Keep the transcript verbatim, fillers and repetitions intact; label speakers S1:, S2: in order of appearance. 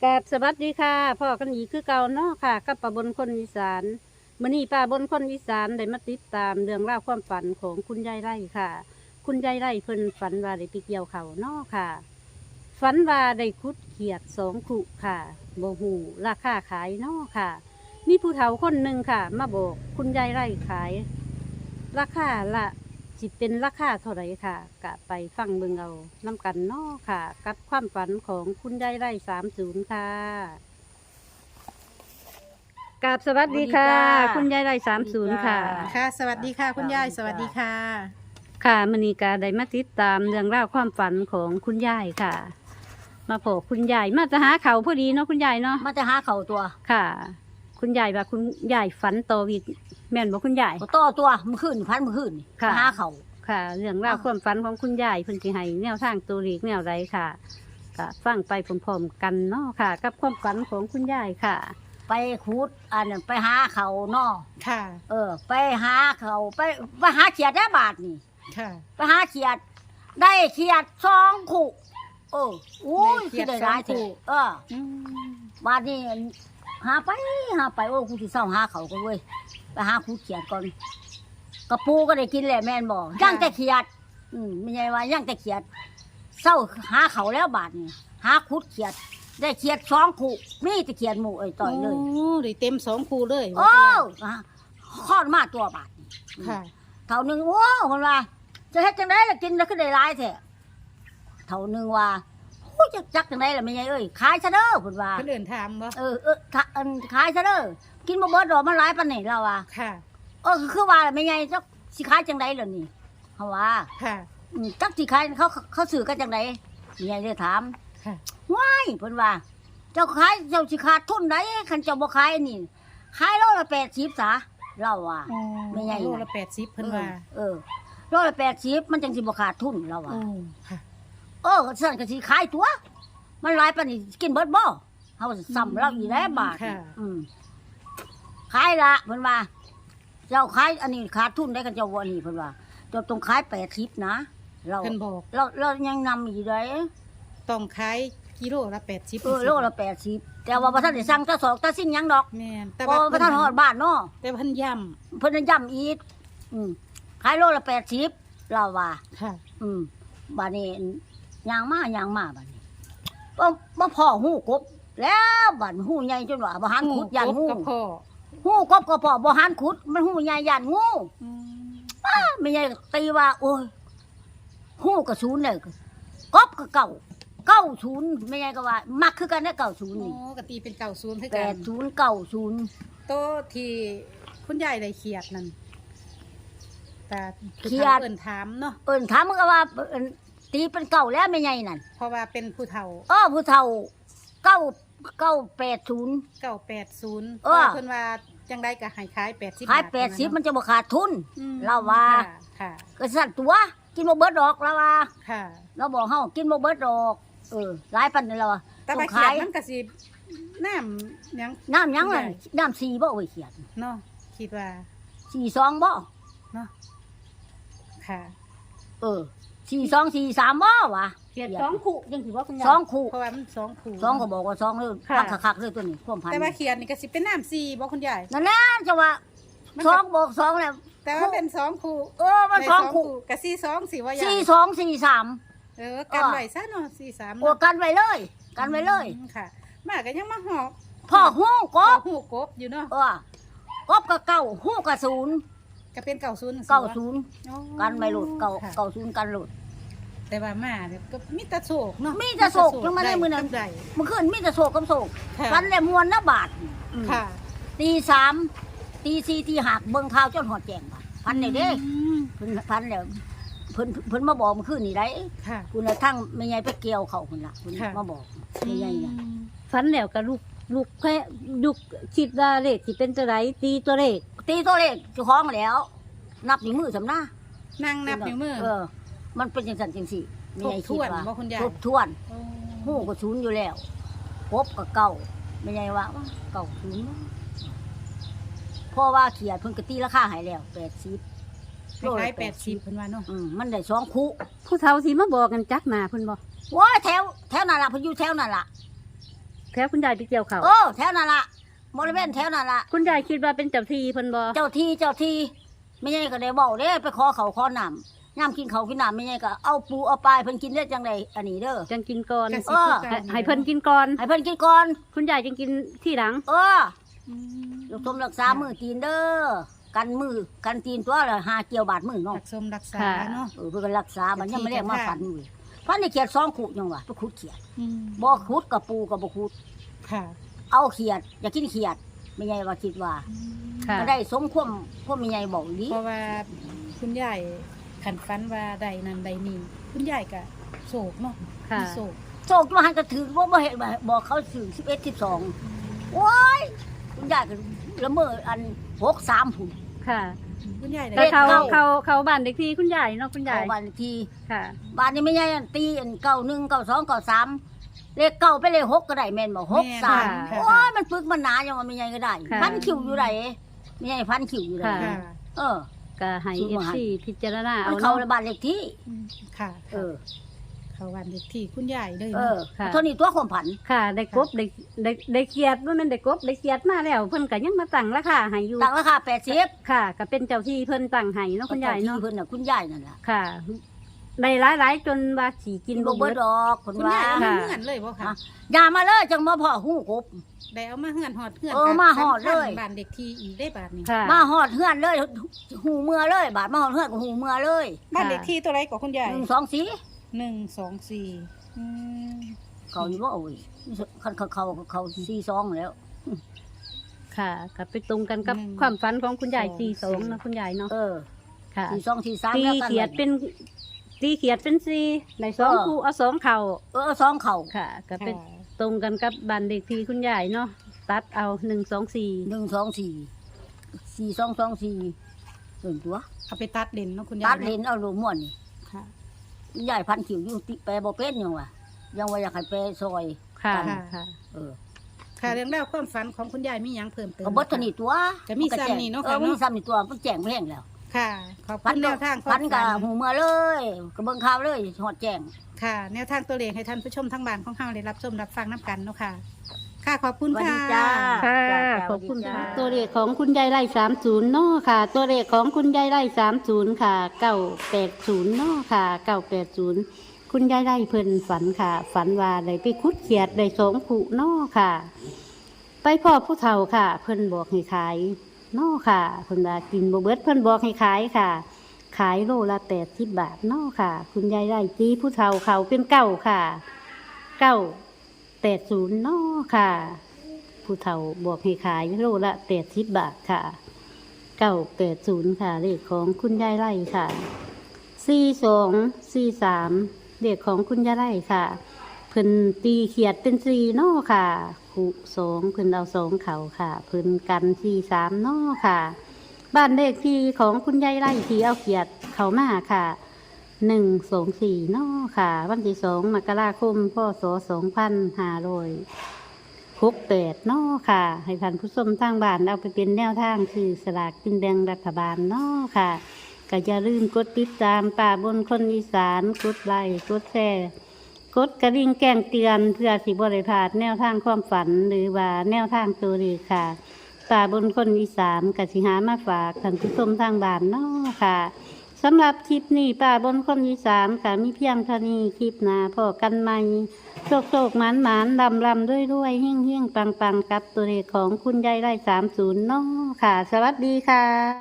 S1: กราบสวัสดีค่ะพ่อกันอีกคือเก่าเนาะค่ะกับป้าบนคนอีสานมื้อนี้ป้าบนคนอีสานได้มาติดตามเรื่องราวความฝันของคุณยายไร่ค่ะ คุณยายไร่เพิ่นฝันว่าได้ไปเกี่ยวเขาวเนาะค่ะฝันว่าได้คุดเขียดสองขุค่ะบ่ฮู้ราคาขายเนาะค่ะ มีผู้เฒ่าคนหนึ่งค่ะ มาบอกคุณยายไร่ขาย ราคาละสิเป็นราคาเท่าไหร่ค่ะกะไปฟังเบิ่งเอาน้ำกันเนาะค่ะ กับความฝันของคุณยายไร่สามศูนย์ค่ะกราบสวัสดีค่ะ
S2: สวัสดีค่ะ
S1: คุณยายไร่สามศูนย์ค่ะ
S2: ค่ะ สวัสดีค่ะ คุณยาย สวัสดีค่ะ
S1: ค่ะมณีกาได้มาติดตามเรื่องราวความฝันของคุณยายค่ะ มาพบคุณยายมาจะหาเขาพอดีเนาะคุณยายเนาะ
S3: มันจะหาเข่าตัว
S1: ค่ะ คุณยายว่าคุณยายฝันโตวิดแม่นบอกคุณยาย
S3: ก็ต่อตัวมันขึ้นพันมันขึ้น
S1: ค่ะ
S3: หาเข่า
S1: ค่ะ เรื่องราวความฝันของคุณยายเพิ่นสิให้แนวทางตัวเลขแนวใดค่ะก็ฟังไปพร้อมๆกันเนาะค่ะ กับความฝันของคุณยายค่ะ
S3: ไปขุดอันนั้นไปหาเข่าเนอ
S2: ค่ะ
S3: เออ ไปหาเข่าไปไปหาเขียดได้บาทนี่
S2: ค่ะ
S3: ไปหาเขียด ได้เขียดสองขู่เอออุ้ย
S2: ได้เขี
S3: คื
S2: ย
S3: อ
S2: ด
S3: ได้ร้าย
S2: สองคู่
S3: เถอะเออ
S2: อืม
S3: บาทนี้หาไปหาไปโอ้กูสิเศร้าหาเขาก็เว้ยไปหาขุดเขียดก่อนกระปูก็ได้กินแหละแม่นบอกย่างแต่เขียด อืมไม่ใช่ว่าย่างแต่เขียดเศร้าหาเขาแล้วบาทนี่หาขุดเขียด ได้เขียดสองขู่มีแต่เขียดหมูเอ้ยต่อยเลย
S2: โอ้ได้เต็มสองคูเลย
S3: โอ้คลอดมาตัวบาทนี่
S2: ค่ะ
S3: เท่านึงโอ้คนว่า จะเฮ็ดจังไดล่ะกินแล้วก็ได้หลายแท้เท่านึงว่าโอ้ยจักจักจังไดล่ะแม่ใหญ่เอ้ยขายซะเด้อเพิ่นว่า
S2: คนอื่นถามบ่
S3: เออเออถ้าอันขายซะเด้อกินบ่เบิดดอกมันหลายปานนี้แล้วว่า
S2: ค่ะ
S3: เออคือว่าแม่ใหญ่จักสิขายจังไดล่ะนี่เฮาว่า
S2: ค่ะ
S3: อืมจักสิขายเขาเขาซื้อกันจังไดแม่ใหญ่เลยถาม
S2: ค่ะ
S3: ว้ายเพิ่นว่า เจ้าขายเจ้าสิขาดทุนไดคันเจ้าบ่ขายอันนี่ขายโลละแปดสิบซะเราว่า ไม่ใหญ่นะ
S2: โลละแปดสิบเพิ่นว่า
S3: เออโลละแปดสิบมันจังสิบ่ขาดทุนเราว่า
S2: โอ้ค่ะ
S3: เออสั่นก็สิขายตัว มันหลายปานนี้กินเบิดบ่เฮาซ้ำเราอีกแล้วบาท
S2: ค่ะ
S3: อืมขายละเพิ่นว่า เจ้าขายอันนี้ขาดทุนได้กันเจ้าบ่อันนี้เพิ่นว่าเจ้าต้องขายแปดสิบนะเรา
S2: เพิ่นบอก
S3: เราเรายังนำอีกเด้
S2: ต้องขายกิโลละแปดสิบ
S3: เออโลละแปดสิบแต่ว่าบ่ทันได้สั่งตะสอกตะสิ่งหยังดอก
S2: แม่นแต่
S3: เพราะ
S2: ว่า
S3: ว่าบ่ทันฮอดบ้านเนาะ
S2: แต่เพิ่นย้
S3: เพิ่นย้ำอีกอืมขายโลละแปดสิบเราว่า
S2: ำค่ะ
S3: อืมบ้านนี้ยางมายางมาบ้านนี้บ่บ่พ่อหูกบ แล้วบ้านหูใหญ่จนว่าบ่หันขุดยันหู
S2: กับพ่อ
S3: หูกบก็พ่อบ่หันขุด มันหูใหญ่ยันงู
S2: อืม
S3: ป้าไม่ใหญ่ตีว่า โอ้ยหูก็ศูนย์เลยกบก็เก่าเก้าศูนย์ไม่ใหญ่ก็ว่า มักคือกันได้เก้าศูนย์
S2: โอ้
S3: นี่
S2: กะตีเป็นเก่าศูนย์ให้
S3: แป
S2: กั
S3: ด
S2: น
S3: ศูนย์เก้าศูนย์
S2: โตะที่คุณยายได้เขียดนั่นแต่
S3: เขียด
S2: เอิ้นถามเนาะ
S3: เอิ้นถามมันก็ว่าเอิ้นตีเป็นเก่าแล้วไม่ใหญ่นั่น
S2: เพราะว่าเป็นผู้เฒ่า
S3: เออผู้เฒ่าเก้าเก้าแปดศูนย์
S2: เก้าแปดศูนย์
S3: เออ
S2: เพิ่นว่าจังได้ก็ให้ขายแปดสิบ
S3: ขายแปดสิบมันจะบ่ขาดทุน
S2: อืม
S3: เราว่า
S2: ค่ะค่ะ
S3: ก็สั่นตัวกินบ่เบิดดอกแล้วว่า
S2: ค่ะ
S3: เราบอกเฮากินบ่เบิดดอก เออหลายปันนี่แล้วว่า
S2: แต่
S3: ต้
S2: ว่า
S3: อง
S2: เขีย
S3: ขา
S2: ด
S3: ย
S2: มันก็สิน้ำหยัง
S3: น้ำหยังล่ะ
S2: ได้
S3: น้ำสีบ่โอ้ยเขียด
S2: เนาะคิดว่า
S3: สี่สองบ่
S2: เนาะค่ะ
S3: เออสี่สองสี่สามบ่วะ
S1: เขียดสองขุยังถือว่าคุณยาย
S3: สองคู่
S2: เพราะว่ามันสองคู่
S3: สองก็บอกว่าสองเลย
S1: ค่ะ
S3: คักคักๆเลยตัวนี้ความพัน
S2: แต่ว่าเขียดนี่ก็สิเป็นน้ำสี่บ่คุณยาย
S3: นั่นแหละจะว่า
S2: มัน
S3: ส
S2: ก็
S3: องบอกสองแล้ว
S2: แต่ว่าเป็นสองคู่
S3: เออมัน
S2: ได้
S3: สองคู่
S2: กับสี่สองสี่ว่ายาย
S3: สี่สองสี่สาม
S2: เออกันไว้ซะเนาะสี่สาม
S3: โอ้กันไว้เลย กันไว้เลย
S2: อืมค่ะ มาก็ยังมาหอบ
S3: พ่อฮู้ก
S2: ก็
S3: บ
S2: หูกบอยู่เนาะ
S3: เออกบก็เก้าฮู้ก็ศูนย์
S2: ก็เป็นเก่าศูนย์
S3: เก้าศูนย์
S2: อ๋อ
S3: กันไว้หลุดเก้า
S2: ค่ะ
S3: เก้าศูนย์กันหลุด
S2: แต่ว่ามาเนี่ยก็มีแต่โศกเนาะ
S3: มีแต่โศกยังไม่ได้มื้อนั้น
S2: ได้
S3: เมื่อคืนมีแต่โศกกับโศก
S2: ค่ะ
S3: ฟันแหลมมวนนะบาทอืม
S2: ค่ะ
S3: ตีสามตีสี่ตีหักเบิ่งข่าวจนหอดแจงบาทพันเนี่ยเด้
S2: อืม
S3: เพิ่นพันแล้วเพิ่นเพิ่นมาบอกเมื่อคืนนี่ได้
S2: ค่ะ
S3: คุณน่ะทั้งแม่ใหญ่ไปเกี่ยวเขาคุณล่ะเพิ่น
S2: ค่ะ
S3: มาบอกแม่ใหญ่น่ะ
S1: ฝันแล้วกับลูกลูกแค่ลูกคิดว่าเลขที่เป็นตัวไรตีตัวเลข
S3: ตีตัวเลขเจ้าของแล้ว นับนิ้วมือสำนา
S2: นั่งนับนิ้วมือ
S3: เออ มันเป็นจังซั่นจังซี่แม่ใหญ่คิดว่า
S2: ทบทวนบ่คุณยาย
S3: ทบทวน
S2: โอ้
S3: ฮู้ก็ศูนย์อยู่แล้วพบก็เก่าแม่ใหญ่ว่าเก่าศูนย์เพราะว่าเขียดเพิ่นก็ตีราคาให้แล้วแปดสิบ
S2: คล้ายๆแปดสิบเพิ่นว่าเนาะ
S3: อืมมันได้สองคู่
S1: ผู้เฒ่าสิมาบอกกันจักหนาเพิ่นบอก
S3: ว้าแถวแถวนั่นล่ะเพิ่นอยู่แถวนั่นล่ะ
S1: แถวคุณยายไปเกี่ยวเขา
S3: โอ้แถวนั่นล่ะบริเวณแถวนั่นล่ะ
S1: คุณยายคิดว่าเป็นเจ้าที่เพิ่นบ่
S3: เจ้าที่เจ้าที่ไม่ใช่ก็ได้บอกเด้ไปขอเขาขอน้ำย่ำกินเขาวกินน้ำไม่ใช่ก็เอาปูเอาปลายเพิ่นกินได้จังไดอันนี้เด้อ
S1: จังกินก่อน
S2: กะ
S3: เอ
S2: สิ
S3: อ
S2: คือกั
S1: ให้ให้เพิ่นกินก่อน
S3: ให้เพิ่นกินก่อน
S1: คุณยายจังกินที่หลัง
S3: เออ
S2: อืม
S3: ลูกสมรักษามือตีนเด้อกันมือกันตีนตัวละหาเกี่ยวบาดมือเนาะ
S2: รักสมรักษา
S1: ค่ะ
S2: เนาะ
S3: เออเพิ่นก็รักษามันยังไม่เรียกมาฝันอยู่ฝันในเขียดสองขุยังวะไปขุดเขียด
S2: อืม
S3: บ่ขุดกับปูกับบ่ขุด
S2: ค่ะ
S3: เอาเขียดอยากกินเขียดไม่ใช่ว่าคิดว่า
S1: ค่ะ
S3: ก็ได้สมความความไม่ใหญ่บอกดี
S2: เพราะว่าคุณยายขันฟันว่าใดนั้นใดนี้คุณยายก็โศกเนาะ
S1: ค่ะ
S2: มีโศก
S3: โชคมาหันก็ถือว่าบ่เห็นบอกเขาถึงสิบเอ็ดสิบสองโอ้ยคุณยายก็ละเมออันหกสามผุน
S1: ค่ะ
S2: คุณยาย
S1: แต่
S2: ได้
S1: เขา
S3: เก้า
S1: เขาเขาบ้านเด็กที่คุณยายเนาะคุณยา
S3: เอา
S1: ย
S3: วันที
S1: ค่ะ
S3: บ้านนี้ไม่ใหญ่อันตีอันเก้าหนึ่งเก้าสองเก้าสามเลขเก้าไปเลขหกก็ได้แม่นบอกหกสาม
S2: ค่ะ
S3: โอ้ยมันปึกมันหนาอย่างว่าไม่ใหญ่ก็ได้
S1: ค่ะ
S3: พันคิวอยู่ไหนไม่ใหญ่พันคิวอยู่ไหน
S1: ค่ะ
S2: ค่ะ
S3: เออ
S1: ก็ให้
S3: ซื้อ
S1: เอฟ
S3: มาให้
S1: ซีพิจารณา
S3: มั
S1: เอา
S3: นเข้า
S1: เนาะ
S3: ในบ้านเลขที่
S2: อืมค่ะ
S3: เออ
S2: เขาวันเด็กที่คุณยายเลย
S3: เอ
S2: เนาะ
S3: อ
S1: ค่ะ
S3: เท่านี้ตัวความผัน
S1: ค่ะ ได้กบได้ได้ได้เกียรติว่ามันได้กบได้เกียรติมาแล้วเพิ่นก็ยังมาตั้งราคาให้อยู่
S3: ตั้งราคาแปดสิบ
S1: ค่ะก็เป็นเจ้าที่เพิ่นตั้งให้เนาะคุณยาย
S3: ที่
S1: เนาะ
S3: เพิ่นน่ะคุณยายนั่นล่ะ
S1: ค่ะได้หลายๆจนว่าสิกิ
S3: กิ
S1: น
S3: น
S1: บ่
S3: บ่
S1: เบิ
S3: เบิ
S1: ด
S3: ดดอกคน
S2: คุณ
S3: ว่าย
S2: ายเอามา
S1: ค่ะ
S2: เฮือนเลยบ่ค่ะ
S3: ฮะ อย่ามาเลยจังบ่พอหูกบ
S2: ได้เอามาเฮือนหอดเฮือน
S3: เออมาฮอดเลย
S2: บ้านเด็กที่อีกได้บาทนี้
S1: ค่ะ
S3: มาหอดเฮือนเลยหูเมื่อเลย บาดมาหอดเฮือนก็หูเมื่อเลย
S2: บ้านเด็กที่ตัวไรกว่าคุณยาย
S3: หนึ่งสองสี่
S2: หนึ่งสองสี่อืม
S3: เขาอยู่ว่าโอ้ยคันเขาเขาเขาสี่สองแล้ว
S1: ค่ะก็ไปตรงกันกับความฝันของคุณยายสี่สองเนาะคุณยายเนาะ
S3: เออ
S1: ค่ะ
S3: สี่สองสี่สาม
S1: ตี
S3: แล้วกัน
S1: เขียดเป็นตีเขียดเป็นสี่ในสองคู่เอาสองเข่า
S3: เออสองเข่า
S1: ค่ะ ก็เป็น
S2: ค่ะ
S1: ตรงกันกับบันเด็กที่คุณยายเนาะตัดเอาหนึ่งสองสี่
S3: หนึ่งสองสี่สี่สองสองสี่ส่วนตัว
S2: เอาไปตัดเลนเนาะคุณยาย
S3: ตัดเลนเอาลูกม่วนนี่
S2: ค่ะ
S3: ใหญ่พันขิวอยู่ติแปรบ่เป็นยังวะยังว่าอยากให้แปรซอย
S1: ค่ะ
S2: ค่ะ
S1: ค่ะ
S3: เออ
S2: ค่ะเรื่องราวความฝันของคุณยายมีหยังเพิ่มเติม
S3: ก็เบดเทานี่ตัว
S2: ก็มี
S3: ก็แจ้ง
S2: ซ้ำนี่เนาะ
S3: เอ
S2: ค่ะ
S3: อมี
S2: เนาะ
S3: ซ้ำนี่ตัวมันแจ้งแพงแล้ว
S2: ค่ะขอบ
S3: พั
S2: คุณแนวทางความ
S3: พันกับ
S2: ฝัน
S3: หูเมื่อเลยก็เบิ่งข่าวเลยหอดแจ้ง
S2: ค่ะ แนวทางตัวเลขให้ท่านผู้ชมทั้งบ้านของเฮาได้รับชมรับฟังน้ำกันเนาะค่ะ ค่ะขอบคุณ
S3: สวัส
S2: ค่ะ
S3: ดีจ้า
S1: ค่ะ
S3: จ้า
S1: ขอบคุณ
S3: สวัสดี
S1: ค่ะ
S3: จ้า
S1: ตัวเลขของคุณยายไร่สามศูนย์เนาะค่ะ ตัวเลขของคุณยายไร่สามศูนย์ค่ะเก้าแปดศูนย์เนาะค่ะเก้าแปดศูนย์คุณยายไร่เพิ่นฝันค่ะ ฝันว่าได้ไปคุดเขียดได้สองผู้เนาะค่ะ ไปพ่อผู้เฒ่าค่ะ เพิ่นบอกให้ขายเนาะค่ะเพิ่นว่ากินบ่เบิดเพิ่นบอกให้ขายค่ะ ขายโลละแปดสิบบาทเนาะค่ะ คุณยายไร่ตีผู้เฒ่าเขาเป็นเก้าค่ะเก้าแปดศูนย์เนาะค่ะ ผู้เฒ่าบอกให้ขายโลละแปดสิบบาทค่ะเก้าแปดศูนย์ค่ะเลขของคุณยายไร่ค่ะสี่สองสี่สามเลขของคุณยายไร่ค่ะ เพิ่นตีเขียดเป็นสี่เนาะค่ะคู่สองเพิ่นเอาสองเขาค่ะ เพิ่นกันสี่สามเนาะค่ะ บ้านเลขที่ของคุณยายไร่ที่เอาเขียดเขามาค่ะหนึ่งสองสี่เนาะค่ะ วันที่สองมกราคมพศสองพันห้าร้อยหกแปดเนาะค่ะ ให้ท่านผู้ชมทางบ้านเอาไปเป็นแนวทางคือสลากกินแบ่งรัฐบาลเนาะค่ะก็อย่าลืมกดติดตามป่าบนคนอีสานกดไลค์กดแชร์กดกระดิ่งแจ้งเตือนเพื่อสิบริพลาดแนวทางความฝันหรือว่าแนวทางตัวเลขค่ะ ป่าบนคนอีสานกสิหามาฝากท่านผู้ชมทางบ้านเนาะค่ะสำหรับคลิปนี้ป่าบนคนอีสานค่ะมีเพียงเท่านี้คลิปหน้าพอกันใหม่โชคโชคหมานหมานลำลำด้วยด้วยเฮี้ยงเฮี้ยงปังปังกับตัวเลขของคุณยายไร่สามศูนย์เนาะค่ะ สวัสดีค่ะ